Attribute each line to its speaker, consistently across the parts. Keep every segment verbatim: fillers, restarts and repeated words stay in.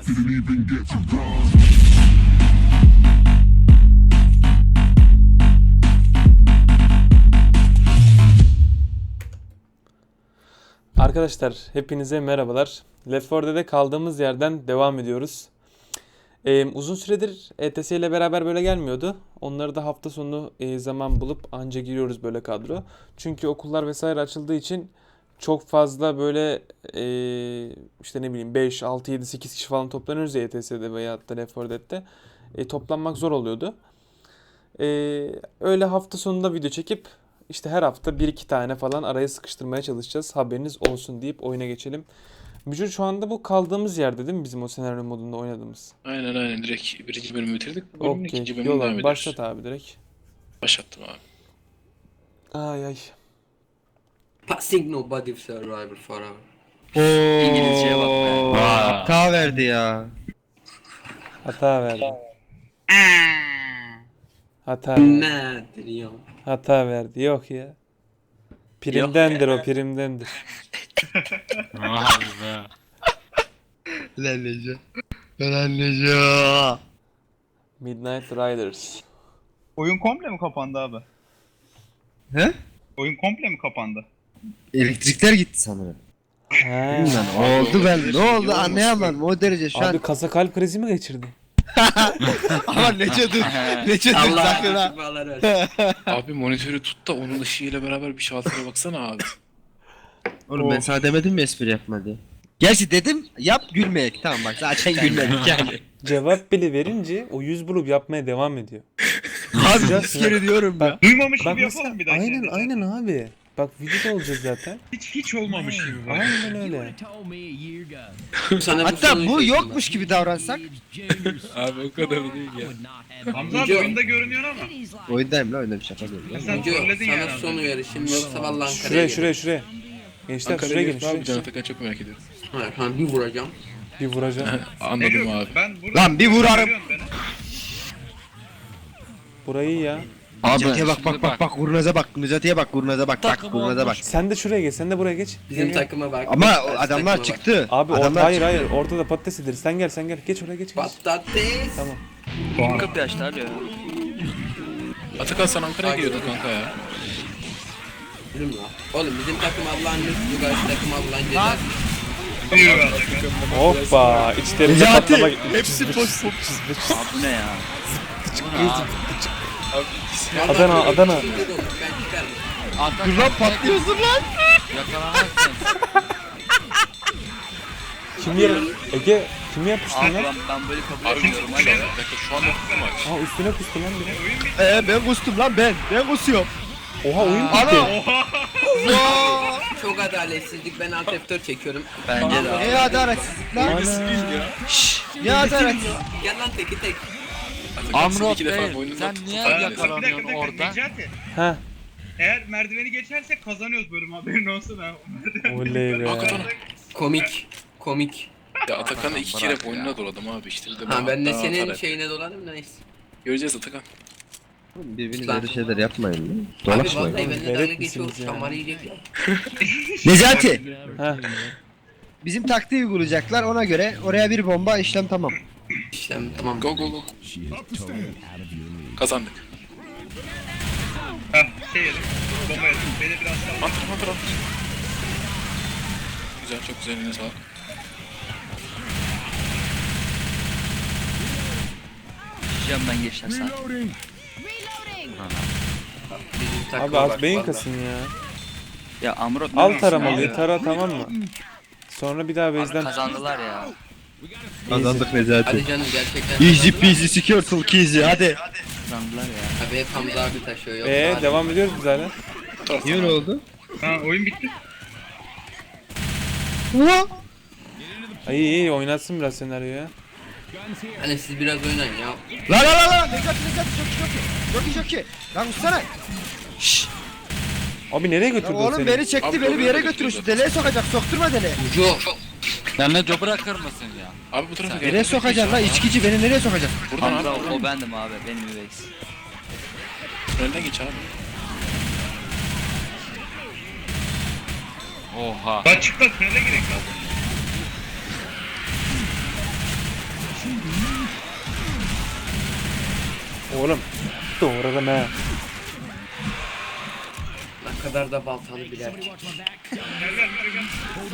Speaker 1: Arkadaşlar hepinize merhabalar. Left four Dead'de kaldığımız yerden devam ediyoruz. Ee, uzun süredir E T S ile beraber böyle gelmiyordu. Onları da hafta sonu e, zaman bulup anca giriyoruz böyle kadro. Çünkü okullar vesaire açıldığı için çok fazla böyle e, işte ne bileyim beş, altı, yedi, sekiz kişi falan toplanıyoruz ya E T S'de veya da Left four Dead'de. E, toplanmak zor oluyordu. E, öyle hafta sonunda video çekip işte her hafta bir iki tane falan araya sıkıştırmaya çalışacağız. Haberiniz olsun deyip oyuna geçelim. Mücür şu anda bu kaldığımız yerde değil mi bizim o senaryo modunda oynadığımız?
Speaker 2: Aynen aynen direkt birinci bölümü bitirdik. Bu bölümün
Speaker 1: Okey.
Speaker 2: ikinci bölümüne
Speaker 1: Yol
Speaker 2: devam
Speaker 1: abi
Speaker 2: ediyoruz.
Speaker 1: başlat abi direkt.
Speaker 2: Başlattım abi.
Speaker 1: Ay ay.
Speaker 3: Passing nobody survivor forever.
Speaker 4: İngilizceye bak be.
Speaker 5: Hata verdi ya.
Speaker 1: Hata verdi. Hata
Speaker 3: Nedir ya?
Speaker 1: hata verdi. Yok ya. Primdendir o primdendir.
Speaker 4: Vay be.
Speaker 5: Lan Neco. Lan Neco.
Speaker 1: Midnight Riders.
Speaker 6: Oyun komple mi kapandı abi?
Speaker 5: He?
Speaker 6: Oyun komple mi kapandı?
Speaker 5: Elektrikler gitti sanırım.
Speaker 1: Ha.
Speaker 5: Bilmem oldu ben. Ne oldu anlayamadım o derece şu
Speaker 1: Abi
Speaker 5: an.
Speaker 1: kasa kalp krizi mi geçirdi?
Speaker 5: Ama Neco dur. Neco dur
Speaker 3: Allah
Speaker 5: sakın ha.
Speaker 3: şifalar versin.
Speaker 2: Abi monitörü tut da onun ışığıyla beraber bir şaltıra baksana abi.
Speaker 5: Oğlum ben sana demedim mi espri yapma diye. Gerçi dedim yap gülmeyek. Tamam bak zaten gülmedik yani.
Speaker 1: Cevap bile verince o yüz bulup yapmaya devam ediyor.
Speaker 5: Abi bir kere diyorum ya.
Speaker 6: Duymamış
Speaker 1: Bak
Speaker 6: gibi
Speaker 1: mesela,
Speaker 6: yapalım bir daha.
Speaker 1: aynen aynen abi. Bak videoda olacak zaten.
Speaker 6: Hiç hiç olmamış gibi.
Speaker 1: Aynen öyle.
Speaker 3: Sana bu
Speaker 5: Hatta
Speaker 3: soruyu
Speaker 5: bu
Speaker 3: çektim
Speaker 5: yokmuş gibi davransak.
Speaker 2: Abi o kadar değil ya.
Speaker 6: Hamza abi
Speaker 3: Video-
Speaker 6: oyunda görünüyor ama.
Speaker 5: Oyundayım la oyunda bir şaka değil.
Speaker 6: Ya
Speaker 5: ya.
Speaker 6: sen
Speaker 3: ben. Video,
Speaker 6: trolledin
Speaker 3: sana
Speaker 6: yani.
Speaker 3: son uyarı şimdi yoksa vallahi Ankara'ya
Speaker 1: Şuraya
Speaker 3: gelin.
Speaker 1: şuraya şuraya. Gençler
Speaker 2: Ankara'ya
Speaker 1: şuraya gelin
Speaker 2: gelip abi Can
Speaker 1: şuraya.
Speaker 2: Atakan çok merak ediyorum.
Speaker 3: Hayır, ha, bir vuracağım.
Speaker 1: Bir vuracağım.
Speaker 6: Ne
Speaker 2: Anladım
Speaker 6: diyorsun?
Speaker 2: abi.
Speaker 6: Ben burada
Speaker 5: Lan bir vurarım.
Speaker 6: görüyorsun beni.
Speaker 1: Burayı ya.
Speaker 4: Abi
Speaker 5: Necati'ye bak
Speaker 4: şimdi
Speaker 5: bak bak bak kurnaza bak. Necati'ye bak kurnaza bak. Bak
Speaker 4: Takım
Speaker 5: kurnaza bak.
Speaker 4: olmuş.
Speaker 1: Sen de şuraya geç. Sen de buraya geç.
Speaker 3: Bizim
Speaker 1: Gel, gel.
Speaker 3: takıma bak.
Speaker 5: Ama
Speaker 3: Karşı
Speaker 5: o
Speaker 3: takıma
Speaker 5: adamlar
Speaker 3: bak.
Speaker 5: çıktı.
Speaker 1: Abi or-
Speaker 5: adamlar
Speaker 1: hayır
Speaker 5: çıktı.
Speaker 1: hayır ortada patates ederiz. Sen gel sen gel. Geç oraya geç. geç.
Speaker 3: Patates.
Speaker 1: Tamam.
Speaker 4: kapı açtılar ya.
Speaker 2: Atakan sen Ankara'ya geliyordun kanka ya.
Speaker 3: Yürüm lan. Oğlum bizim takım Allah'ın lütfu, karşı takım Allah'ın cezası.
Speaker 6: Yürü Atakan.
Speaker 1: Hoppa. İçlerinde
Speaker 5: Necati,
Speaker 1: patlama.
Speaker 5: hepsi boş
Speaker 4: Abi bu ne ya? Bu ne abi?
Speaker 3: Vallahi
Speaker 1: Adana,
Speaker 3: böyle
Speaker 1: Adana.
Speaker 3: bir şey yok, ben çıkarım.
Speaker 4: Arkadan
Speaker 5: Dur lan patlıyorsun lan.
Speaker 4: Yakalanamazsın.
Speaker 1: Kim yer? Ege kim yapıştı
Speaker 4: Abi
Speaker 1: lan?
Speaker 4: ben, ben böyle kabul
Speaker 2: Abi
Speaker 4: etmiyorum.
Speaker 2: bir
Speaker 4: Hadi.
Speaker 2: dakika şu anda tuttum aç.
Speaker 1: Aa üstüne kustu lan biri.
Speaker 5: Ee ben kustum lan ben. Ben kusuyorum.
Speaker 1: Oha oyun bitti.
Speaker 5: Ana.
Speaker 3: Çok adaletsizlik, ben alt F dört çekiyorum.
Speaker 4: Bence de abi.
Speaker 5: Ne adaletsizlik lan. Şşş. Ne adaletsizlik.
Speaker 3: Gel lan teki tek.
Speaker 2: Atakan seni
Speaker 4: Amrot
Speaker 2: iki defa
Speaker 4: Bey
Speaker 2: boynundan
Speaker 4: sen
Speaker 2: tuttu.
Speaker 4: niye
Speaker 6: Bir dakika bir
Speaker 4: yakalanıyorsun
Speaker 6: dakika.
Speaker 4: orada?
Speaker 6: Necati.
Speaker 1: Ha.
Speaker 6: Eğer merdiveni geçersek kazanıyoruz bölüm haberin olsun ha.
Speaker 1: Oley be.
Speaker 2: Hakikaten.
Speaker 3: Komik. Komik.
Speaker 2: Ya Atakan'la iki kere
Speaker 4: Bırak ya.
Speaker 2: boynuna doladım abi işte. de
Speaker 3: Ha ben de
Speaker 2: hatta
Speaker 3: senin
Speaker 2: atar hep.
Speaker 3: şeyine dolanım neyse.
Speaker 2: Göreceğiz Atakan.
Speaker 5: Birbirinize öyle şeyler yapmayın lan.
Speaker 3: Abi vallahi
Speaker 5: Dolaşmayın.
Speaker 3: benimle
Speaker 1: Velet
Speaker 3: dalga geçiyor,
Speaker 1: misiniz ya?
Speaker 3: şamar yiyecekler.
Speaker 5: Necati.
Speaker 1: Ha.
Speaker 5: Bizim taktiği uygulayacaklar ona göre oraya bir bomba işlem tamam.
Speaker 3: İşte tamam.
Speaker 2: Go go go. Kazandık.
Speaker 6: Heh şey yedim. Bomba yedim. Beni biraz sağ.
Speaker 2: Antır antır antır. Güzel çok güzel eline sağlık.
Speaker 4: Diyeceğim ben geçen sen.
Speaker 3: Bizim takıma
Speaker 1: Abi az
Speaker 3: bak
Speaker 1: beyin
Speaker 3: vallahi.
Speaker 1: kasın ya.
Speaker 4: Ya Amrot ne
Speaker 1: Al
Speaker 4: diyorsun
Speaker 1: taramalıyı
Speaker 4: abi?
Speaker 1: tara tamam mı? Sonra bir daha
Speaker 4: Abi
Speaker 1: base'den
Speaker 4: kazandılar ya.
Speaker 5: Kazandık Necati.
Speaker 3: Hadi canım gerçekten.
Speaker 5: Easy peasy secure keasy hadi.
Speaker 4: Kazandılar ya.
Speaker 3: Abi hep Hamza abi taşıyor yok.
Speaker 1: Eee devam ediyoruz biz hala.
Speaker 5: Niye öyle oldu?
Speaker 6: Ha oyun bitti.
Speaker 1: Ay iyi iyi oynatsın biraz senaryoyu ya.
Speaker 3: Hani siz biraz oynayın ya.
Speaker 5: La la la la Necati Necati çok iyi çok iyi. Çok iyi çok iyi. Lan uçsana. Şşş.
Speaker 1: Abi nereye
Speaker 5: Ya
Speaker 1: götürdün
Speaker 5: oğlum
Speaker 1: seni?
Speaker 5: beni çekti
Speaker 2: Abi,
Speaker 5: beni bir yere
Speaker 2: doğru,
Speaker 5: götürüyor. Şu
Speaker 2: doğru.
Speaker 5: deliğe sokacak sokturma deliğe.
Speaker 3: Ucu.
Speaker 4: Sen ne co bırakır mısın ya?
Speaker 2: Abi bu tarafa gel.
Speaker 5: Nereye sokacaksın la içkici beni nereye sokacaksın?
Speaker 2: Buradan
Speaker 4: Hamza
Speaker 2: abi.
Speaker 4: o, o bendim abi. Benim üveyiz.
Speaker 2: Tünelden geç abi.
Speaker 4: Oha.
Speaker 6: Lan çık lan tünele gerek lan.
Speaker 1: Oğlum. Doğradım he.
Speaker 3: Ne kadar da baltalı bir erkek.
Speaker 6: Gel gel gel gel.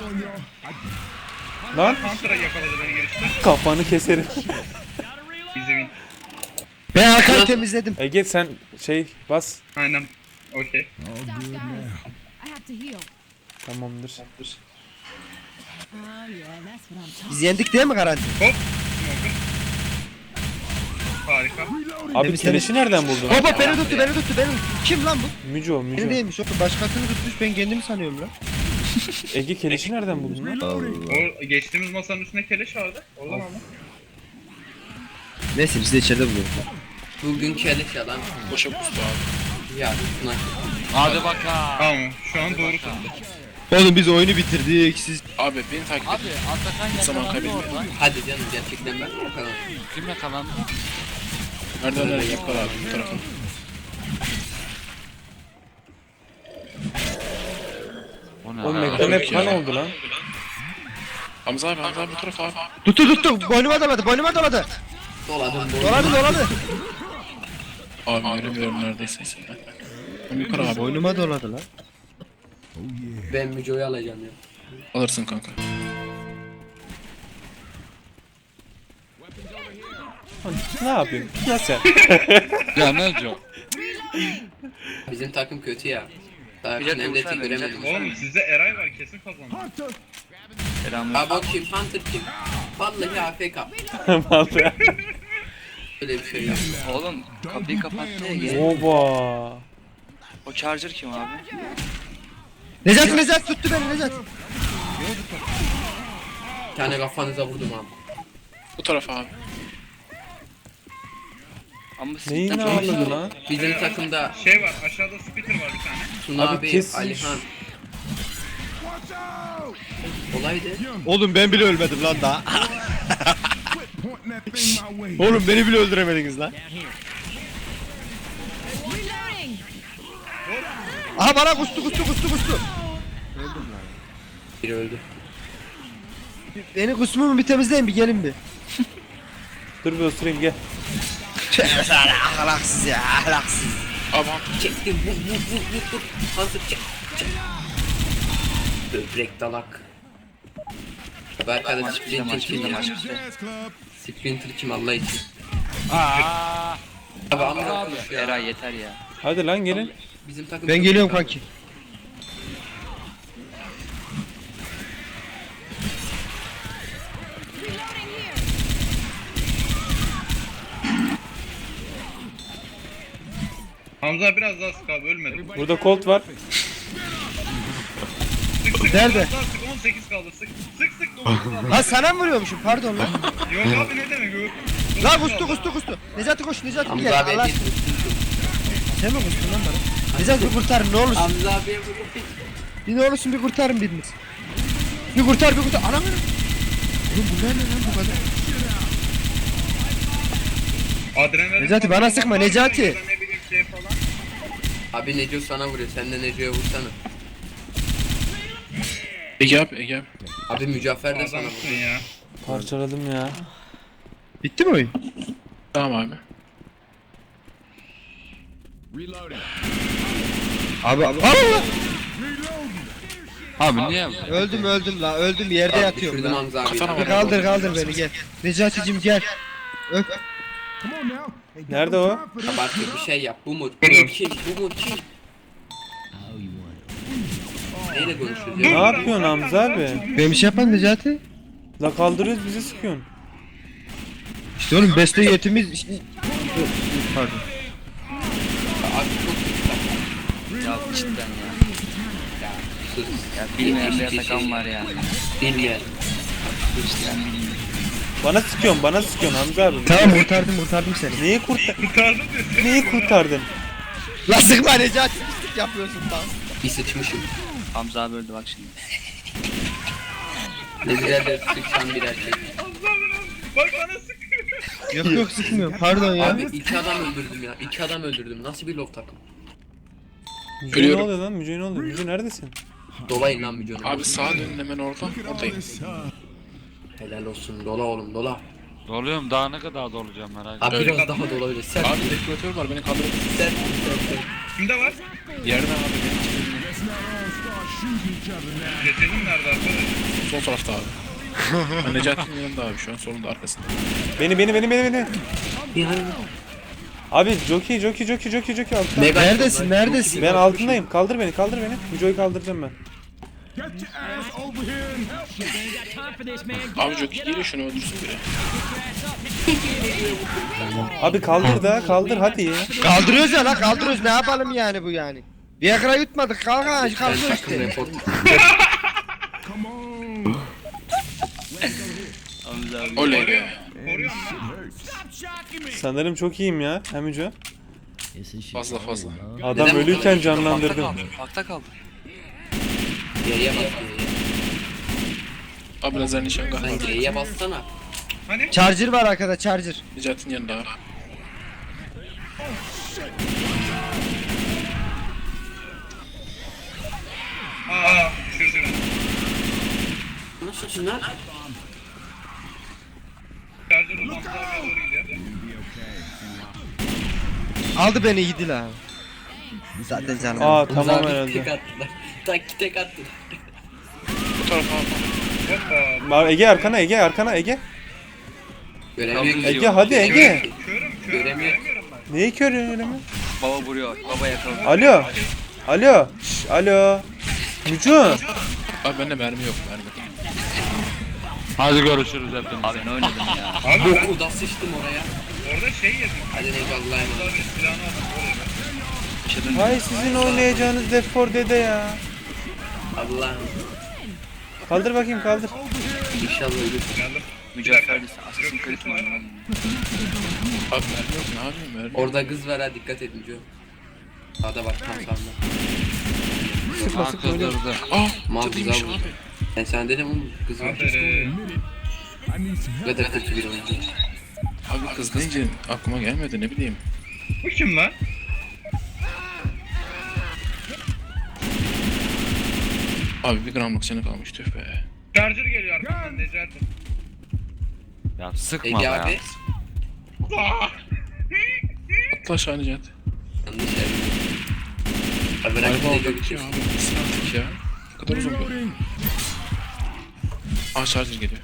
Speaker 1: Lan
Speaker 6: Hunter'a yakaladı beni girişte.
Speaker 1: kafanı keserim.
Speaker 6: İzleyin.
Speaker 5: Ben arkayı temizledim.
Speaker 1: Ege sen şey bas.
Speaker 6: Aynen. Okey.
Speaker 7: Stop, guys. I have to heal.
Speaker 1: Tamamdır.
Speaker 7: Oh yeah, that's what I'm talking.
Speaker 5: Biz yendik değil mi garanti?
Speaker 6: Hop. Smoker. Harika.
Speaker 1: Abi
Speaker 5: Temiz,
Speaker 1: keleşi nereden buldun?
Speaker 5: Hop beni tuttu beni tuttu beni tuttu. Kim lan bu?
Speaker 1: Müco,
Speaker 5: Beni
Speaker 1: Müco.
Speaker 5: değilmiş oğlum başkasını tutmuş ben kendimi sanıyorum lan.
Speaker 1: Ege keleşi nereden buldun lan?
Speaker 6: O geçtiğimiz masanın üstünde keleş vardı. Oradan ama.
Speaker 5: Neyse biz de içeride buluyoruz.
Speaker 3: Bugün keleş yalan.
Speaker 2: Boşa kustu abi.
Speaker 3: Ya şuna.
Speaker 4: Hadi bakalım.
Speaker 6: Tamam. Şu an doğru tuttu.
Speaker 5: Oğlum biz oyunu bitirdik siz.
Speaker 2: Abi beni takip
Speaker 4: Abi
Speaker 2: et.
Speaker 4: Atakan
Speaker 2: Zaman
Speaker 4: yakalandı
Speaker 2: kaybetmeyin.
Speaker 4: orada.
Speaker 3: Hadi canım gerçekten ben mi bakalım.
Speaker 4: Kim yakalandı?
Speaker 2: Merdivenlere yakala abi bu tarafa.
Speaker 4: O ne?
Speaker 1: Oğlum
Speaker 4: abi?
Speaker 1: ekran hep
Speaker 2: ya.
Speaker 1: kan oldu lan.
Speaker 2: Hamza abi Hamza abi bu tarafa abi.
Speaker 5: Tuttu tuttu boynuma doladı boynuma doladı.
Speaker 3: Doladım doladım.
Speaker 5: Doladı doladı.
Speaker 2: Abi göremiyorum neredeyse. Ben yukarı abi.
Speaker 5: Boynuma doladı lan.
Speaker 3: Ben Müco'yu alacağım ya.
Speaker 2: Alırsın kanka.
Speaker 1: Ne yapayım? Ya sen?
Speaker 4: Ya ne diyor?
Speaker 3: Bizim takım kötü ya. Daha
Speaker 4: Bir dakika,
Speaker 3: Nemlet'i
Speaker 4: sen de,
Speaker 3: göremedim.
Speaker 6: Oğlum sizde Eray var kesin kazandı.
Speaker 4: Selamlar.
Speaker 3: Ha bak kim Hunter kim? Vallahi A F K.
Speaker 1: Vallahi.
Speaker 3: Öyle bir şey yok.
Speaker 4: Oğlum kapıyı kapattı ya. gel.
Speaker 1: Oba.
Speaker 4: O charger kim abi?
Speaker 5: Necati Necati tuttu beni Necati.
Speaker 3: Bir tane kafanıza vurdum abi.
Speaker 2: Bu tarafa abi.
Speaker 4: Ama siz
Speaker 1: Neyin
Speaker 4: takım-
Speaker 1: ağırladı lan?
Speaker 3: Bizim takımda
Speaker 6: Şey var aşağıda Spitter var bir tane.
Speaker 3: Tuna
Speaker 1: Abi
Speaker 3: abi,
Speaker 1: kesin
Speaker 3: Alihan. Olaydı.
Speaker 5: Oğlum ben bile ölmedim lan daha. Oğlum beni bile öldüremediniz lan.
Speaker 7: Reloading.
Speaker 5: Aha bana kustu kustu kustu kustu.
Speaker 3: Biri öldü.
Speaker 5: Beni kusmumu bir temizleyin bir gelin bir.
Speaker 1: Dur bir osurayım gel.
Speaker 5: Tövbe sana ahlaksız ya ahlaksız.
Speaker 2: Abi Hunter.
Speaker 3: Çektim vur vur vur vur vur. Hunter çek çek. Böbrek dalak. Abi arkada
Speaker 4: Maç bitti,
Speaker 3: Splinter
Speaker 4: maç
Speaker 3: kim
Speaker 4: bitti,
Speaker 3: ya?
Speaker 4: maç bitti.
Speaker 3: Splinter kim Allah için?
Speaker 4: Aaa.
Speaker 3: Abi amına
Speaker 4: Abi
Speaker 3: konuş ya.
Speaker 4: Eray yeter ya.
Speaker 1: Hadi lan gelin.
Speaker 3: Bizim takım
Speaker 5: Ben
Speaker 3: çok
Speaker 5: geliyorum
Speaker 3: kötü.
Speaker 5: kanki.
Speaker 7: Reloading here.
Speaker 6: Hamza biraz daha sık abi ölmedi.
Speaker 1: Burada Colt var.
Speaker 6: Sık sık
Speaker 5: Nerede?
Speaker 6: biraz daha sık on sekiz kaldı sık. Sık sık dokuz kaldı.
Speaker 5: Lan sana mı vuruyormuşum pardon lan.
Speaker 6: Yok abi ne demek yok.
Speaker 5: Lan kustu kustu kustu. Necati koş Necati bir
Speaker 3: Hamza
Speaker 5: gel
Speaker 3: abiye
Speaker 5: Allah
Speaker 3: bir
Speaker 5: aşkına. Sen mi kustun lan bana? Necati bir kurtarın ne olursun.
Speaker 3: Hamza abiye vurup
Speaker 5: Bir ne olursun bir kurtarın biriniz. Bir kurtar bir kurtar. Anam. Oğlum bunlar ne lan bu kadar?
Speaker 6: Adrenalin
Speaker 5: Necati, bana
Speaker 6: falan
Speaker 5: sıkma,
Speaker 6: var mı?
Speaker 5: Necati.
Speaker 6: Ya da ne bileyim şey falan.
Speaker 3: Abi Neco sana vuruyor. Sen de Neco'ya vursana.
Speaker 2: Ege abi Ege abi.
Speaker 3: Abi Mücaffer de sana
Speaker 6: Adamsın
Speaker 3: vuruyor.
Speaker 6: ya.
Speaker 1: Parçaladım ya.
Speaker 5: Bitti mi oyun?
Speaker 2: Tamam abi.
Speaker 5: Abi abi.
Speaker 4: Abi niye?
Speaker 5: Öldüm öldüm la öldüm yerde
Speaker 3: Abi
Speaker 5: yatıyorum
Speaker 3: düşürdüm
Speaker 5: la.
Speaker 3: Hamza abi.
Speaker 2: Kafana
Speaker 5: Bir
Speaker 2: bak.
Speaker 5: kaldır kaldır beni gel. Necati'cim gel. Öp.
Speaker 1: Nerede o?
Speaker 3: Abartıyor bir şey yap. Bu mu? Bu mu kim? Bu mu kim? Neyle konuşuyoruz
Speaker 1: Ne
Speaker 3: ya?
Speaker 1: yapıyorsun Hamza abi?
Speaker 5: Ben bir şey yapan Necati.
Speaker 1: La kaldırıyoruz bizi sıkıyorsun.
Speaker 5: İşte oğlum beste yetimiz. Pardon.
Speaker 3: Abi çok kötü.
Speaker 4: Ya cidden ya.
Speaker 3: Sus.
Speaker 4: Ya bilmeyen bir Atakan var ya.
Speaker 3: Bilmeyen.
Speaker 4: Cidden bilmiyorum.
Speaker 1: Bana sıkıyorsun bana sıkıyorsun Hamza abi.
Speaker 5: Tamam kurtardım kurtardım seni.
Speaker 1: Neyi kurtar
Speaker 6: Kurtardım diyorsun.
Speaker 1: Neyi kurtardın?
Speaker 5: La sıkma Necati pislik yapıyorsun lan.
Speaker 3: Bir sıçmışım.
Speaker 4: Hamza abi öldü bak şimdi.
Speaker 3: Ne güzel de sıçan bir erkek.
Speaker 6: Bak bana sıkıyor.
Speaker 5: Yok yok sıkmıyorum pardon ya.
Speaker 3: Abi iki adam öldürdüm ya. İki adam öldürdüm. Nasıl bir love takım?
Speaker 1: Müce ne
Speaker 2: Ölüyorum.
Speaker 1: oluyor lan? Müce ne oluyor? Müce neredesin?
Speaker 3: Dolayın lan Müco'nu.
Speaker 2: Abi sağa dönün hemen orada. Oradayım.
Speaker 3: Helal olsun. Dola oğlum dola.
Speaker 8: Doluyorum daha ne kadar dolacağım merak etme.
Speaker 3: Abi
Speaker 2: Öyle.
Speaker 3: biraz daha da olabilir. Sen
Speaker 2: Abi dekoratör var beni kaldırın.
Speaker 3: sen sen.
Speaker 6: Kimde var?
Speaker 2: Yerden abi beni.
Speaker 6: Cesedin nerede arkadaş?
Speaker 2: Sol tarafta abi. Ben Necati'nin yanında abi şu an solunda arkasında.
Speaker 1: Beni beni beni beni beni.
Speaker 3: Yani
Speaker 1: Abi jockey jockey jockey jockey jockey altta.
Speaker 3: Mega
Speaker 5: Neredesin,
Speaker 3: onlar.
Speaker 5: neredesin?
Speaker 1: Ben altındayım. Kaldır beni kaldır beni. Müco'yu kaldıracağım ben.
Speaker 2: Abi Jockey geliyor şunu öldürsün biri.
Speaker 1: Abi kaldır da kaldır hadi ya.
Speaker 5: Kaldırıyoruz ya lan, kaldırıyoruz. Ne yapalım yani bu yani? Viagra yutmadık, kalk ha,
Speaker 3: Ben
Speaker 5: kalkıyor
Speaker 3: takım
Speaker 5: işte.
Speaker 3: report.
Speaker 4: Hamza abi.
Speaker 2: Oley be.
Speaker 6: Koruyorum lan.
Speaker 1: Sanırım çok iyiyim ya. Hem Müco.
Speaker 2: Fazla fazla.
Speaker 1: Adam
Speaker 3: Neden bu
Speaker 1: ölüyken
Speaker 3: kadar?
Speaker 1: canlandırdım.
Speaker 4: Bakta kaldı.
Speaker 3: G'ye bas.
Speaker 2: Abi lazer nişangah
Speaker 3: Sen
Speaker 2: var.
Speaker 3: G'ye bassana.
Speaker 6: Hani?
Speaker 5: Charger var arkada, charger.
Speaker 2: Necati'nin yanında abi.
Speaker 6: Aa düşürdü beni.
Speaker 3: Nasıl şunlar?
Speaker 6: Charger uzaklığa doğru gidiyor.
Speaker 5: Aldı beni, yedi la. Zaten canım.
Speaker 1: Aa tamam
Speaker 3: Tamam
Speaker 1: herhalde.
Speaker 3: tek attılar. Tak tek attılar.
Speaker 2: Bu tarafa abi.
Speaker 6: Hoppa.
Speaker 1: Var Ege arkana Ege arkana Ege.
Speaker 3: Göremiyorum.
Speaker 1: Ege hadi Ege.
Speaker 6: Körüm körüm
Speaker 3: Göremiyorum.
Speaker 6: göremiyorum ben.
Speaker 1: Neyi körüyorsun öyle mi?
Speaker 4: Baba vuruyor. Baba yakaladı.
Speaker 1: Alo. Alo. Şş, alo. Müco.
Speaker 2: Abi bende mermi yok mermi.
Speaker 8: Hadi görüşürüz hepiniz.
Speaker 4: Abi ne oynadım ya.
Speaker 6: Abi ben
Speaker 3: Boku da sıçtım oraya.
Speaker 6: orada şey yedim.
Speaker 3: Hadi ne Allah'a emanet.
Speaker 6: Burada bir silahını aldım. Oraya ben.
Speaker 4: Yaşadın.
Speaker 1: Hay sizin oynayacağınız Left four Dead'e ya.
Speaker 3: Allah'ım.
Speaker 1: Kaldır bakayım kaldır.
Speaker 3: İnşallah ölür.
Speaker 6: Geldim.
Speaker 4: Mücadele Assassin's Creed mi oynuyor?
Speaker 2: Abi mermi yok ne yapayım mermi.
Speaker 3: Orada kız var ha, dikkat edin Joe. Sağda bak tam sağda.
Speaker 1: Sıkma
Speaker 8: Ha
Speaker 1: sıkma öyle.
Speaker 8: kızdırdı.
Speaker 2: Ah
Speaker 3: Mal
Speaker 2: cadıymış
Speaker 3: güzel
Speaker 2: abi.
Speaker 3: vurdu. Ben sana dedim oğlum kız var.
Speaker 6: Aferin.
Speaker 3: Ne kadar kötü bir oyuncu.
Speaker 2: Abi kız deyince aklıma gelmedi ne bileyim.
Speaker 6: Bu kim lan?
Speaker 2: Abi bir gramlık canı kalmış tüh be.
Speaker 6: Charger geliyor arkamdan Necati.
Speaker 8: Ya sıkma
Speaker 3: Ege
Speaker 8: be
Speaker 3: abi.
Speaker 8: ya.
Speaker 2: Atla aşağı Necati.
Speaker 3: Yanlış yer. Abi bırak
Speaker 2: Galiba
Speaker 3: bir de
Speaker 2: orada
Speaker 3: Joe
Speaker 2: bitiyor
Speaker 3: gitsin.
Speaker 2: abi. Gitsin artık ya. Ne kadar uzun böyle. Aa charger geliyor.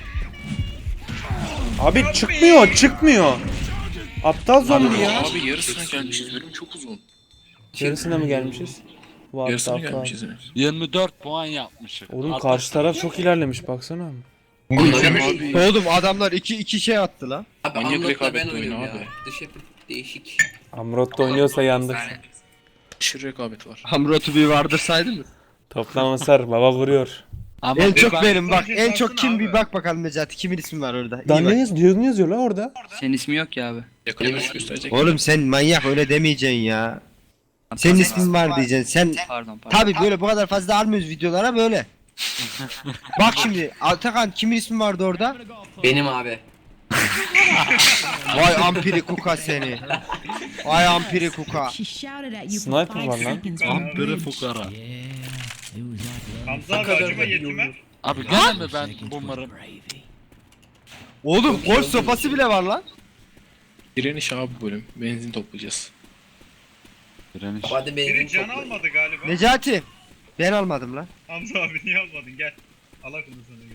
Speaker 1: Abi çıkmıyor çıkmıyor. Aptal zombi ya.
Speaker 2: Abi yarısına gelmişiz bölüm çok uzun.
Speaker 1: Yarısına mı gelmişiz? What
Speaker 2: Yarısına
Speaker 1: the fuck?
Speaker 2: gelmişiz yine.
Speaker 8: yirmi dört puan yapmışız.
Speaker 1: Oğlum
Speaker 8: Altmış-
Speaker 1: karşı taraf çok ilerlemiş baksana.
Speaker 2: Abi
Speaker 5: Oğlum adamlar iki iki şey attı la.
Speaker 3: Abi
Speaker 2: Manyak
Speaker 3: Unlock'la ben
Speaker 2: rekabetli oyun
Speaker 3: oynuyorum
Speaker 2: abi.
Speaker 3: ya. Dış yapı değişik.
Speaker 1: Amrot da oynuyorsa yandık.
Speaker 2: aşırı rekabet var.
Speaker 5: Hamrotu bir vardır saydı mı?
Speaker 1: Toplam hasar baba vuruyor.
Speaker 8: Ama
Speaker 5: En çok
Speaker 8: ben-
Speaker 5: benim bak,
Speaker 6: Son
Speaker 5: en
Speaker 6: şey
Speaker 5: çok kim
Speaker 6: kalsın
Speaker 5: bir
Speaker 6: abi.
Speaker 5: bak bakalım Necati, kimin ismi var orada? İyi
Speaker 1: Lan
Speaker 5: bak.
Speaker 1: ne yazıyor, ne yazıyor la orada?
Speaker 4: Senin ismi yok ya abi.
Speaker 2: Yakalamış gösterecek.
Speaker 5: Oğlum sen manyak, öyle demeyeceksin ya. Senin ismin var diyeceksin. Sen
Speaker 4: Pardon pardon.
Speaker 5: tabi böyle bu kadar fazla almıyoruz videolara böyle. Bak şimdi Atakan, kimin ismi vardı orada?
Speaker 3: Benim abi.
Speaker 5: Vay ampiri kuka seni. Vay ampiri kuka.
Speaker 7: She shouted at you for
Speaker 1: Sniper
Speaker 7: five
Speaker 1: var lan.
Speaker 7: seconds.
Speaker 8: Ampere fukara.
Speaker 6: Hamza abi acıma yetime.
Speaker 8: Abi gene mi ben bunları?
Speaker 5: Oğlum golf sopası bile var lan.
Speaker 2: Direniş abi bu bölüm. Benzin toplayacağız.
Speaker 8: Direniş.
Speaker 3: Hadi
Speaker 6: Biri
Speaker 3: benzin
Speaker 6: can
Speaker 3: toplayın.
Speaker 6: almadı galiba.
Speaker 5: Necati. Ben almadım lan.
Speaker 6: Hamza abi niye almadın gel. Allah kızı sana gel.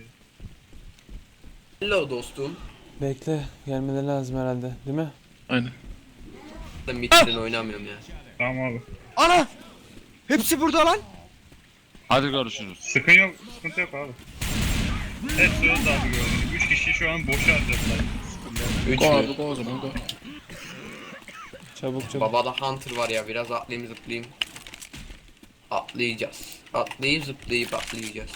Speaker 3: Hello dostum.
Speaker 1: Bekle gelmeleri lazım herhalde değil mi?
Speaker 2: Aynen.
Speaker 3: Ben midden oynamıyorum ya.
Speaker 6: Tamam abi.
Speaker 5: Ana! Hepsi burada lan.
Speaker 8: Hadi görüşürüz.
Speaker 6: Sıkın yok, sıkıntı yok abi. Hepsi öldü abi gördüm. Üç kişi şu an boşa harcadılar.
Speaker 3: Üç
Speaker 2: Go
Speaker 3: mü?
Speaker 2: abi go o zaman go.
Speaker 1: Çabuk çabuk.
Speaker 3: Babada Hunter var ya, biraz atlayayım zıplayayım. Atlayacağız. Atlayıp zıplayıp atlayacağız.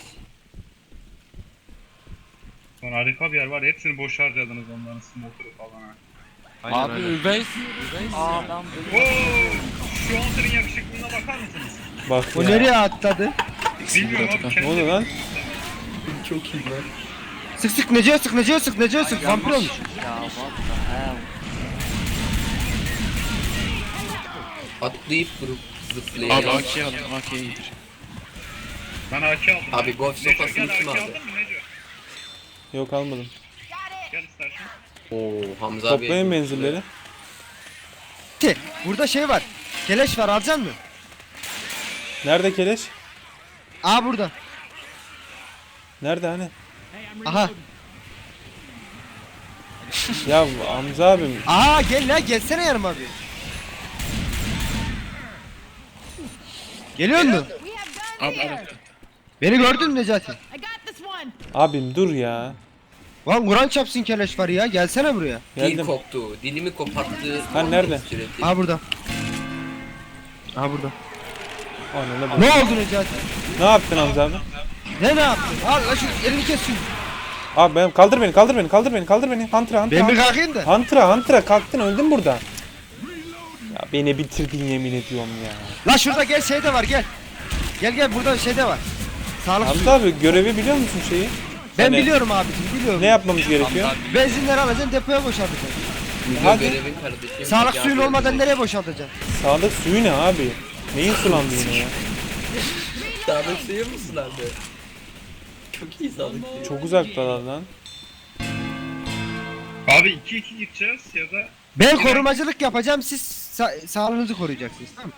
Speaker 6: Lan harika bir yer var. Hepsini boş harcadınız onların smoker'ı falan ha.
Speaker 8: Abi Üveys.
Speaker 4: Adam
Speaker 6: Oo, şu Hunter'ın yakışıklılığına bakar mısınız?
Speaker 1: Bak
Speaker 5: O
Speaker 1: ya.
Speaker 5: nereye atladı?
Speaker 6: Bilmiyorum abi.
Speaker 1: Ne
Speaker 6: kendi-
Speaker 1: oluyor lan?
Speaker 3: Çok iyi lan.
Speaker 5: Sık sık Necati, sık Necati, sık Necati, sık. Vampir olmuş.
Speaker 4: ya what the hell.
Speaker 3: Atlayıp vurup
Speaker 2: Abi
Speaker 3: zıplayacağız.
Speaker 2: A K'yi alın A K'yi indir.
Speaker 6: Ben A K aldım.
Speaker 3: Abi golf
Speaker 6: Neco
Speaker 3: sopasını
Speaker 6: gel
Speaker 3: kim
Speaker 6: A K
Speaker 3: aldı?
Speaker 6: aldın mı Neco?
Speaker 1: Yok almadım.
Speaker 6: Gel istersen.
Speaker 3: Oo Hamza abi.
Speaker 1: Toplayın menzilleri.
Speaker 5: Ki, burada şey var. Keleş var, alacaksın mı?
Speaker 1: Nerede keleş?
Speaker 5: Aa burada.
Speaker 1: Nerede hani?
Speaker 5: Aha.
Speaker 1: Ya Hamza abim.
Speaker 5: Aa gel la, gelsene yanıma bir. Geliyor musun?
Speaker 7: We have guns
Speaker 2: Abi
Speaker 7: here.
Speaker 2: abi.
Speaker 5: Beni gördün mü Necati?
Speaker 7: I got this one.
Speaker 1: Abim dur ya.
Speaker 5: Lan Kur'an çapsın keleş var ya, gelsene buraya.
Speaker 3: Dil
Speaker 1: Geldim.
Speaker 3: koptu. Dilimi koparttı.
Speaker 1: Ha, nerede?
Speaker 3: Sürekli.
Speaker 5: Aa burada. Aa burada.
Speaker 1: Ananı bak.
Speaker 5: Ne oldu Necati?
Speaker 1: Ne yaptın Hamza abi?
Speaker 5: Ne ne yaptın? Al la şu elini kes şunu.
Speaker 1: Abi ben kaldır beni, kaldır beni, kaldır beni, kaldır beni. Hunter'a, Hunter'a.
Speaker 5: Ben bir
Speaker 1: Hunter'a.
Speaker 5: kalkayım da.
Speaker 1: Hunter'a, Hunter'a kalktın, öldün burada. Ya beni bitirdin yemin ediyorum ya.
Speaker 5: La şurada gel, şey de var, gel. Gel gel, burada şey de var. Sağlık suyu.
Speaker 1: Hamza abi görevi biliyor musun şeyi?
Speaker 5: Ben
Speaker 1: Hani
Speaker 5: biliyorum abicim, biliyorum.
Speaker 1: Ne yapmamız gerekiyor?
Speaker 4: Hamza abi,
Speaker 5: Benzinleri alacaksın, depoya boşaltacaksın.
Speaker 3: Video
Speaker 1: Hadi.
Speaker 3: görevin kardeşim.
Speaker 5: Sağlık
Speaker 3: Ya
Speaker 5: suyun
Speaker 3: böyle
Speaker 5: olmadan
Speaker 3: bir-
Speaker 5: nereye boşaltacaksın?
Speaker 1: Sağlık suyu ne abi? Neyin sulandı yine ya?
Speaker 3: Sağlık suyu mu sulandı? Çok iyi sağlık suyu.
Speaker 1: Çok uzaktalar lan.
Speaker 6: Abi iki iki gideceğiz ya da
Speaker 5: Ben korumacılık yapacağım, siz sa- sağlığınızı koruyacaksınız, tamam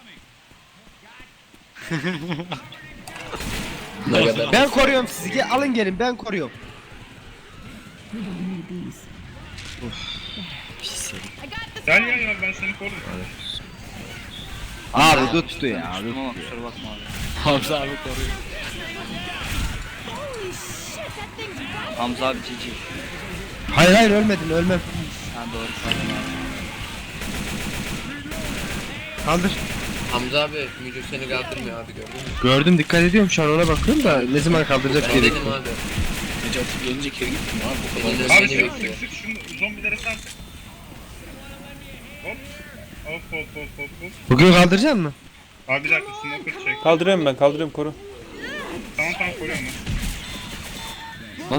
Speaker 5: mı?
Speaker 3: Ne kadar?
Speaker 5: Ben koruyorum sizi, gel, alın gelin, ben koruyorum.
Speaker 7: I got this
Speaker 6: gel
Speaker 7: one.
Speaker 6: gel gel ben seni korurum.
Speaker 5: Abi tuttu ya.
Speaker 4: Tamam kusura bakma abi.
Speaker 8: Hamza abi koruyor.
Speaker 7: Holy shit, that thing's right.
Speaker 4: Hamza abi cici.
Speaker 5: Hayır hayır, ölmedin, ölmem.
Speaker 4: Ha doğru pardon abi.
Speaker 5: Kaldır.
Speaker 3: Hamza abi Mücür seni kaldırmıyor abi gördün mü?
Speaker 5: Gördüm, dikkat ediyorum, şu an ona bakıyorum da ne zaman kaldıracak
Speaker 3: Ben
Speaker 5: diye
Speaker 3: dedim
Speaker 5: bekliyorum.
Speaker 3: abi.
Speaker 2: Necati gelince geri gittim abi. O kadar
Speaker 3: Elinde
Speaker 2: basit.
Speaker 6: Abi
Speaker 3: seni
Speaker 6: sık
Speaker 3: bekliyor.
Speaker 6: sık sık şunu zombilere sar. Hop. Hop hop hop hop hop.
Speaker 5: Bugün kaldıracak mı?
Speaker 6: Abi bir dakika smoker çek.
Speaker 1: Kaldırıyorum ben, kaldırıyorum, koru.
Speaker 6: Tamam tamam koruyorum ben.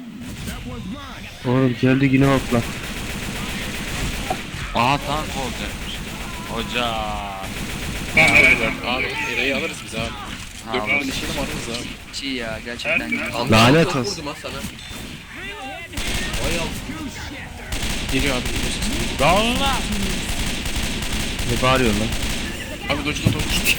Speaker 5: Oğlum geldi yine hopla.
Speaker 8: Aha tank olacakmış. Hoca.
Speaker 6: Tamam evet.
Speaker 2: Abi Eray'ı alırız biz abi.
Speaker 8: Ha,
Speaker 2: Dört
Speaker 8: alırız.
Speaker 2: tane işelim alırız abi.
Speaker 4: Cici ya gerçekten.
Speaker 6: Her-
Speaker 3: Hamza
Speaker 5: Lanet
Speaker 3: çok
Speaker 5: olsun.
Speaker 3: vurdum ha sana. Vay al.
Speaker 2: Geliyor abi biliyorsun.
Speaker 8: Dağılma.
Speaker 5: Ne bağırıyorsun lan?
Speaker 2: Abi dojuna doğru gittim.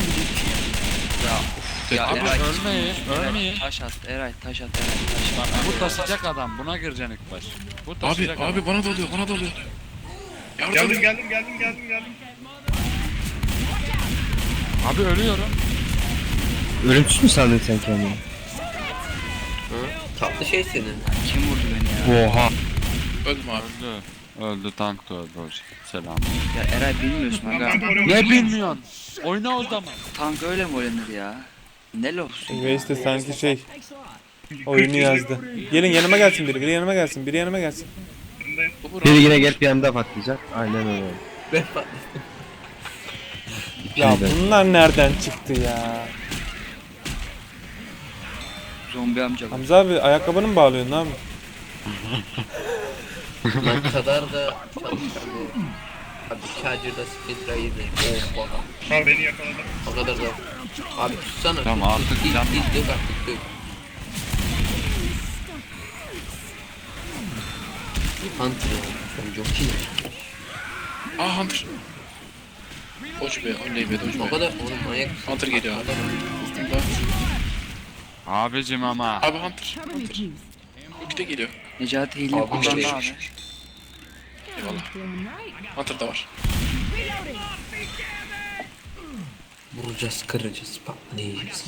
Speaker 4: Ya
Speaker 8: Abi
Speaker 4: Eray.
Speaker 8: ölmeyin, ölmeyin.
Speaker 4: Eray taş at Eray taş at Eray taş at.
Speaker 8: Bu taşıyacak adam, buna gireceksin ilk baş. Bu
Speaker 2: Abi
Speaker 8: taşıyacak adam.
Speaker 2: abi bana dalıyor bana dalıyor. Yardım
Speaker 6: Geldim
Speaker 2: edin.
Speaker 6: geldim geldim geldim geldim.
Speaker 8: Abi ölüyorum.
Speaker 5: Ölümsüz mü sandın sen kendini?
Speaker 3: Hı? Tatlı şey senin.
Speaker 4: Kim vurdu beni ya?
Speaker 5: Oha.
Speaker 2: Öldüm abi.
Speaker 8: Öldü. Öldü, tank da öldü hoca. Selam.
Speaker 4: Ya Eray bilmiyorsun
Speaker 6: Tamam
Speaker 4: aga.
Speaker 6: ben koruyorum.
Speaker 8: Ne bilmiyorsun? Oyna o zaman.
Speaker 4: Tank öyle mi oynanır ya? Ne lofsun?
Speaker 1: Waze de sanki şey oyunu yazdı. Gelin yanıma gelsin biri, biri yanıma gelsin, biri yanıma gelsin.
Speaker 2: Bu vur
Speaker 5: Biri
Speaker 2: abi.
Speaker 5: yine gelip yanımda patlayacak. Aynen öyle.
Speaker 3: Ben
Speaker 1: Ya bunlar nereden çıktı ya?
Speaker 4: Zombi amca.
Speaker 1: Hamza abi ayakkabını mı bağlıyorsun abi?
Speaker 3: lan kadar da çalışkandı. Abi Charger'da Splinter iyiydi. Oh baba.
Speaker 6: Abi beni yakaladı.
Speaker 3: O kadar da. Abi tutsana.
Speaker 8: Tamam,
Speaker 3: tut,
Speaker 8: artık
Speaker 3: tut,
Speaker 8: can-
Speaker 3: Dil dil dök artık dök. Hunter ya. Sen jockey ne?
Speaker 2: Aa Hunter. Doge be oley be Doge
Speaker 3: O
Speaker 2: be.
Speaker 3: kadar oğlum manyak. mısın?
Speaker 2: Hunter geliyor abi. Üstümde.
Speaker 8: Abicim ama.
Speaker 2: Abi Hunter.
Speaker 7: Cover me, please.
Speaker 2: Bir de geliyor.
Speaker 4: Necati hile
Speaker 3: Abi,
Speaker 4: kullandı
Speaker 3: şey-
Speaker 4: abi.
Speaker 2: Eyvallah.
Speaker 7: Feeling right.
Speaker 2: Hunter da var.
Speaker 7: Reloading.
Speaker 3: Vuracağız, kıracağız, patlayacağız.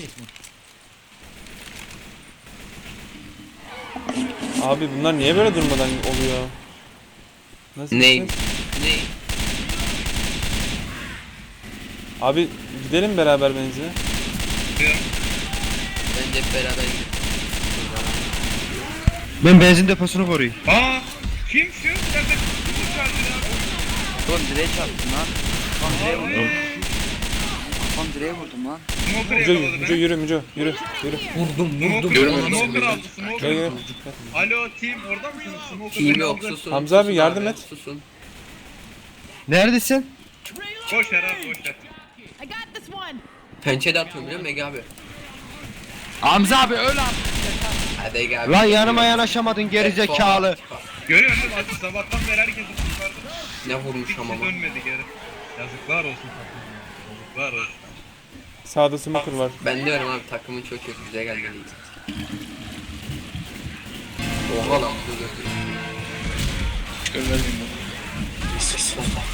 Speaker 1: Abi bunlar niye böyle durmadan oluyor? Nasıl?
Speaker 3: Ne?
Speaker 1: bir şey?
Speaker 3: Ne?
Speaker 1: Abi gidelim beraber benzine.
Speaker 3: Bence hep beraber gidelim.
Speaker 5: Ben benzin deposunu koruyayım.
Speaker 6: Aa! Kim şu? Nerede? Kim Charger abi?
Speaker 4: Oğlum direğe çarptım lan. Kafam direğe vurdum. Kafam direğe vurdum lan.
Speaker 6: Smoker
Speaker 1: Müco,
Speaker 6: yakaladı
Speaker 1: Müco
Speaker 6: beni.
Speaker 1: yürü Müco, yürü, yürü.
Speaker 3: Vurdum,
Speaker 6: Smoker,
Speaker 2: Görmedim
Speaker 6: Smoker
Speaker 2: seni.
Speaker 6: aldı,
Speaker 1: Gel
Speaker 6: Smoker.
Speaker 1: gel.
Speaker 6: Alo team orada mısınız? Smoker
Speaker 3: Team
Speaker 6: beni
Speaker 3: yok,
Speaker 6: aldı.
Speaker 3: susun.
Speaker 1: Hamza abi,
Speaker 3: susun
Speaker 1: yardım et.
Speaker 3: Susun.
Speaker 5: Neredesin?
Speaker 6: Boş ver abi boş ver.
Speaker 7: I got this one.
Speaker 3: Pençede atıyorum biliyor musun Ege abi?
Speaker 8: Hamza abi öl abi.
Speaker 3: Hadi Ege abi.
Speaker 5: Lan yanıma yanaşamadın geri zekalı.
Speaker 6: Görüyorsun değil mi? Aziz sabahtan beri herkes yukarıda.
Speaker 3: Ne vurmuş
Speaker 6: Hiç
Speaker 3: ama.
Speaker 6: dönmedi geri. Yazıklar olsun takım. Yazıklar olsun.
Speaker 1: Sağda smoker var.
Speaker 3: Ben diyorum abi takımın çok kötü, bize gelmeliyiz. Oha lan bu gördüm.
Speaker 2: Görmez miyim bunu? Sis.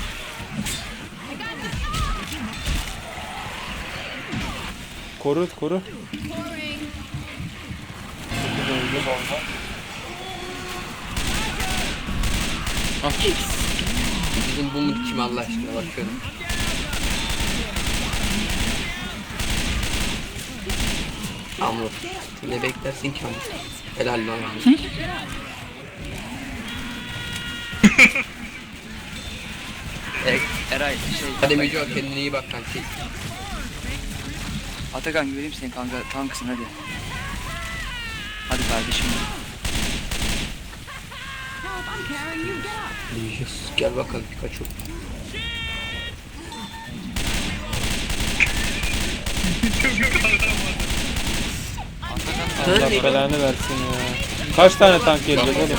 Speaker 1: Koru koru.
Speaker 7: Pouring.
Speaker 3: Bizim bu mu kim Allah aşkına, bakıyorum. Amro. Ne beklersin ki Amro? Helal lan Amro.
Speaker 4: E, Eray şey.
Speaker 3: Hadi Müco, kendine iyi bak kanki.
Speaker 4: Atakan göreyim seni kanka, tanksın hadi. Hadi kardeşim.
Speaker 7: Help, I'm carrying you. Get up.
Speaker 3: Yes, gel bakalım Pikachu.
Speaker 6: Çok yukarıdan var.
Speaker 1: Allah belanı versin ya. Kaç tane tank gelecek oğlum?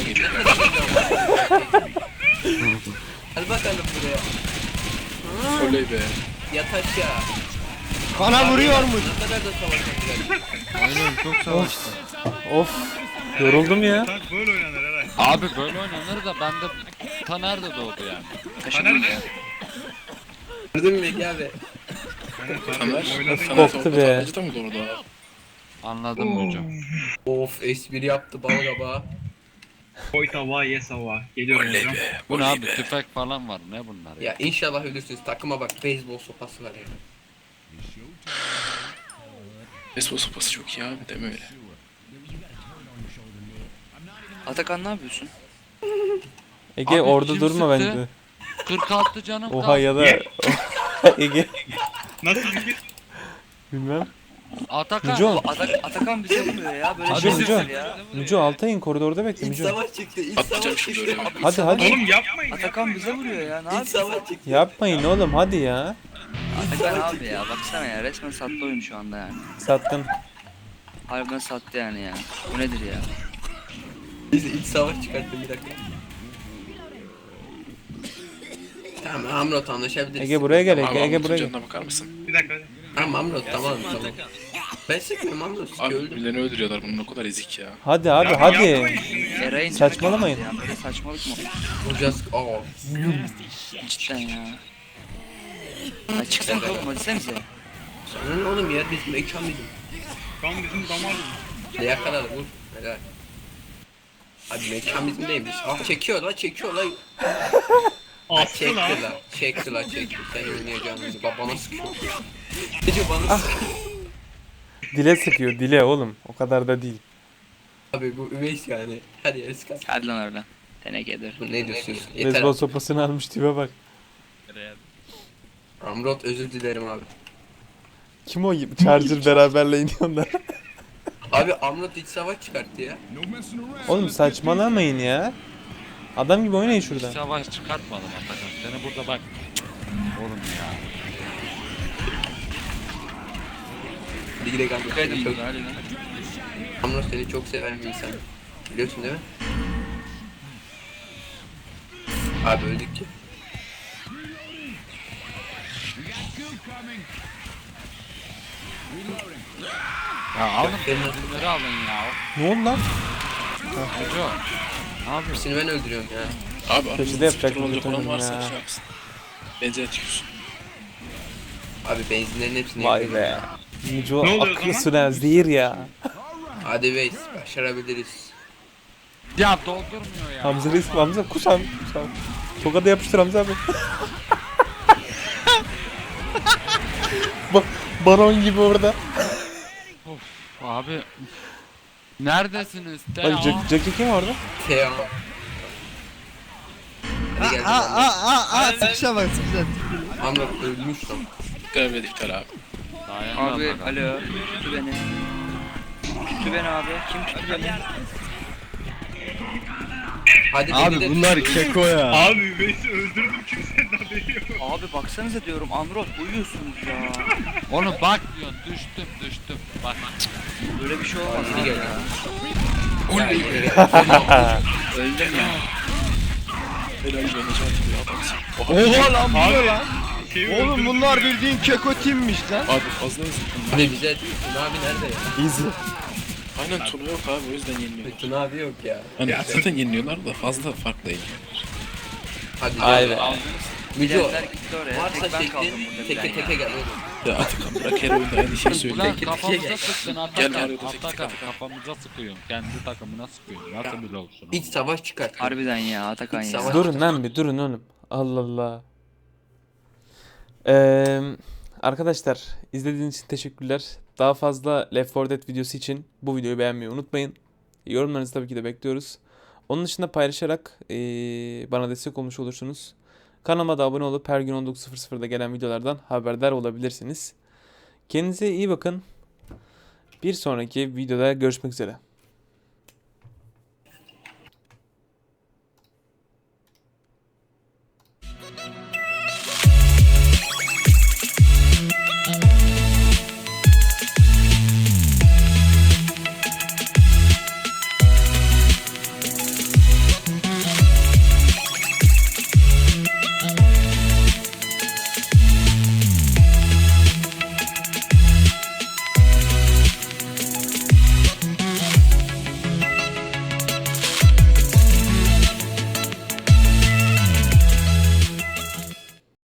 Speaker 3: Hadi bakalım buraya.
Speaker 2: Oley be.
Speaker 3: Yat aşağı.
Speaker 5: Bana vuruyormuş.
Speaker 3: Ne kadar da savaşacaklar.
Speaker 5: Aynen çok savaştı.
Speaker 1: Of. Yoruldum ya.
Speaker 6: Tank böyle oynanır herhalde.
Speaker 8: Abi böyle oynanır da bende Taner de doğdu yani.
Speaker 6: Taner ne?
Speaker 3: Gördün mü Ege abi?
Speaker 2: Taner.
Speaker 6: Oynadın
Speaker 2: Taner
Speaker 1: Koptu
Speaker 2: sonra
Speaker 1: be.
Speaker 2: tabancada mı doğru abi?
Speaker 8: Anladım hocam.
Speaker 3: Of, espri yaptı bal gaba.
Speaker 6: Koy tava ye sava. Geliyorum
Speaker 2: Oley
Speaker 6: hocam.
Speaker 2: be.
Speaker 8: Bu ne
Speaker 2: Oley
Speaker 8: abi,
Speaker 2: be.
Speaker 8: tüfek falan var, ne bunlar ya?
Speaker 3: Ya inşallah ölürsünüz. Takıma bak, beyzbol sopası var ya.
Speaker 2: Beyzbol sopası çok iyi abi, deme öyle.
Speaker 4: Atakan ne yapıyorsun?
Speaker 1: Ege
Speaker 8: Abi
Speaker 1: orada
Speaker 8: kim
Speaker 1: durma
Speaker 8: sıktı?
Speaker 1: bence.
Speaker 8: kırk altı canım
Speaker 1: Oha
Speaker 8: kaldı.
Speaker 1: ya da Ege
Speaker 6: Nasıl bir
Speaker 1: bilmem.
Speaker 8: Atakan.
Speaker 1: Müco.
Speaker 4: Atak, Atakan bize vuruyor ya, böyle
Speaker 1: Hadi
Speaker 4: şey
Speaker 1: Müco.
Speaker 4: olur ya.
Speaker 1: Müco Altay'ın koridorda bekle
Speaker 3: İç
Speaker 1: Müco.
Speaker 3: savaş çıktı, iç
Speaker 2: atlayacağım
Speaker 3: savaş
Speaker 2: şimdi
Speaker 3: çıktı.
Speaker 2: oraya.
Speaker 1: Hadi hadi.
Speaker 6: Oğlum yapmayın.
Speaker 4: Atakan
Speaker 6: yapmayın,
Speaker 4: bize vuruyor ya, ne
Speaker 3: İç
Speaker 4: yapıyorsun?
Speaker 3: savaş çıktı.
Speaker 1: Yapmayın oğlum hadi ya.
Speaker 4: Atakan abi ya, baksana ya, resmen sattı oyunu şu anda yani.
Speaker 1: Sattın.
Speaker 4: Harbiden sattı yani ya. Bu nedir ya?
Speaker 3: Biz iç savaş çıkarttı, bir dakika. Tamam Amrot, anlaşabiliriz.
Speaker 1: Ege buraya gel
Speaker 2: Abi
Speaker 1: Ege, Ege
Speaker 2: Ege
Speaker 1: buraya gel.
Speaker 2: canına bakar mısın?
Speaker 6: Bir dakika.
Speaker 3: Tamam Amrot, tamam tamam. Ben sıkmıyorum Amrot,
Speaker 2: Abi
Speaker 3: sıkıyor öldüm.
Speaker 2: birilerini öldürüyorlar, bunun ne kadar ezik ya.
Speaker 1: Hadi abi
Speaker 6: Ya
Speaker 1: hadi.
Speaker 6: yapmayın şunu ya.
Speaker 4: Eray'ın
Speaker 1: Saçmalamayın.
Speaker 4: Ya, böyle saçmalık mı?
Speaker 3: Vuracağız. Aa.
Speaker 4: Cidden ya. Hadi çıksana oğlum, hadi sen bize.
Speaker 3: Sana ne oğlum ya, bizim mekan bizim.
Speaker 6: Kan bizim damarımız.
Speaker 3: Ne yakaladı, vur. Helal. Hadi mekan bizim değil biz. Ah çekiyor la, çekiyor la. Ah
Speaker 6: Astı
Speaker 3: çekti
Speaker 6: lan.
Speaker 3: la. Çekti la, çekti. Sen oynayacağını bizi. Babana sıkıyor. Gece bana sıkıyor.
Speaker 1: Dile sıkıyor dile oğlum. O kadar da değil.
Speaker 3: Abi bu üveys yani. Hadi yarısı kalk.
Speaker 4: Hadi lan oradan. Tenekedir.
Speaker 3: Bu ne diyorsunuz? Yeter.
Speaker 1: Beyzbol sopasını almış tipe bak.
Speaker 3: Amrot, özür dilerim abi.
Speaker 1: Kim o Charger beraberle iniyorlar.
Speaker 3: Abi Amrot iç savaş çıkarttı ya.
Speaker 1: Oğlum saçmalamayın ya. Adam gibi oynayın şuradan.
Speaker 8: Savaş çıkartmadım Atakan. Seni burada bak. Oğlum ya.
Speaker 3: Hadi gidelim Amrot.
Speaker 4: Kaydım
Speaker 3: Seni çok,
Speaker 4: burada, hadi lan.
Speaker 3: Amrot seni çok seven bir insan. Biliyorsun değil mi? Abi öldük ki.
Speaker 8: Ya alın bunları alın ya.
Speaker 1: Ne oldu lan?
Speaker 8: Müco. Ne yapıyorsun?
Speaker 3: Hepsini ben öldürüyorum ya.
Speaker 2: Abi abi.
Speaker 1: Köşede yapacak
Speaker 2: olacak
Speaker 1: bir
Speaker 2: olan
Speaker 1: tutum
Speaker 2: varsa
Speaker 1: ya.
Speaker 2: şey yapsın. Benzin atıyorsun.
Speaker 3: Abi benzinlerin hepsini
Speaker 1: Vay
Speaker 3: yakıyorum
Speaker 1: be.
Speaker 3: ya.
Speaker 1: Müco
Speaker 6: Ne oluyor o
Speaker 1: aklı
Speaker 3: zaman?
Speaker 1: süren zehir ya.
Speaker 3: Hadi Veys, başarabiliriz.
Speaker 8: Ya doldurmuyor ya.
Speaker 1: Hamza Reis Hamza kusam kusam. Tokada yapıştır Hamza abi. Bak baron gibi orada.
Speaker 8: Abi. Neredesiniz? De
Speaker 1: Bak Jack, Jackie kim orada?
Speaker 3: Teo. Hadi gel.
Speaker 5: Aa aa aa aa sıkışa bak sıkışa.
Speaker 3: Amrot ölmüş lan.
Speaker 2: Görevle iptal abi.
Speaker 8: Dayanma
Speaker 4: Abi
Speaker 8: bakalım.
Speaker 4: alo. Tuttu beni. Tuttu beni abi. Kim tuttu beni?
Speaker 3: Hadi
Speaker 5: Abi
Speaker 3: beni de
Speaker 5: bunlar
Speaker 3: tut.
Speaker 5: keko ya.
Speaker 6: Abi Veys'i öldürdüm, kimsenin haberi yok.
Speaker 4: Abi baksanıza diyorum, Amrot uyuyorsunuz ya.
Speaker 8: Onu bak diyorsun. Düştüm düştüm. Bak.
Speaker 4: Böyle bir şey olmaz
Speaker 3: Hadi
Speaker 4: abi
Speaker 3: gel.
Speaker 4: ya.
Speaker 2: Oley
Speaker 3: Ya,
Speaker 2: be.
Speaker 4: Öldüm ya.
Speaker 2: Helal be Necati be adamsın.
Speaker 5: Oha lan bu ne lan?
Speaker 6: Şeyi
Speaker 5: Oğlum
Speaker 6: öldürdüm
Speaker 5: bunlar
Speaker 6: ya.
Speaker 5: bildiğin keko timmiş lan.
Speaker 2: Abi fazla hızlı.
Speaker 3: Abi bize Tuna abi nerede ya?
Speaker 1: Easy.
Speaker 2: Aynen Tuna yok abi o yüzden yeniliyor.
Speaker 3: Tuna abi yok ya.
Speaker 2: Hani zaten yeniliyorlar da fazla farklı değil.
Speaker 3: Hadi
Speaker 1: Ay
Speaker 3: gel.
Speaker 1: be.
Speaker 3: Müco.
Speaker 4: Diğerler gitti oraya.
Speaker 3: Varsa
Speaker 4: Tek ben kaldım
Speaker 3: şeklin
Speaker 4: burada.
Speaker 3: teke
Speaker 4: bilen
Speaker 3: teke
Speaker 4: ya.
Speaker 3: gel oğlum.
Speaker 2: Ya Atakan bırak her oyunda aynı şeyi söylüyor.
Speaker 8: Ulan
Speaker 3: Peki,
Speaker 8: kafamıza
Speaker 3: peki.
Speaker 8: sıktın
Speaker 2: Gel
Speaker 8: Atakan.
Speaker 2: arada tek tek
Speaker 8: Atakan
Speaker 2: Atakan.
Speaker 8: kafamıza sıkıyorsun. Kendi takımına sıkıyorsun. Nasıl bile olsun?
Speaker 3: İç savaş çıkar.
Speaker 4: Harbiden ya Atakan
Speaker 3: İç
Speaker 4: ya.
Speaker 3: savaş-
Speaker 1: Durun lan bir durun oğlum. Allah Allah. Ee, arkadaşlar izlediğiniz için teşekkürler. Daha fazla Left four Dead videosu için bu videoyu beğenmeyi unutmayın. Yorumlarınızı tabii ki de bekliyoruz. Onun dışında paylaşarak ee, bana destek olmuş olursunuz. Kanalıma da abone olup her gün on dokuz sıfır sıfırda gelen videolardan haberdar olabilirsiniz. Kendinize iyi bakın. Bir sonraki videoda görüşmek üzere.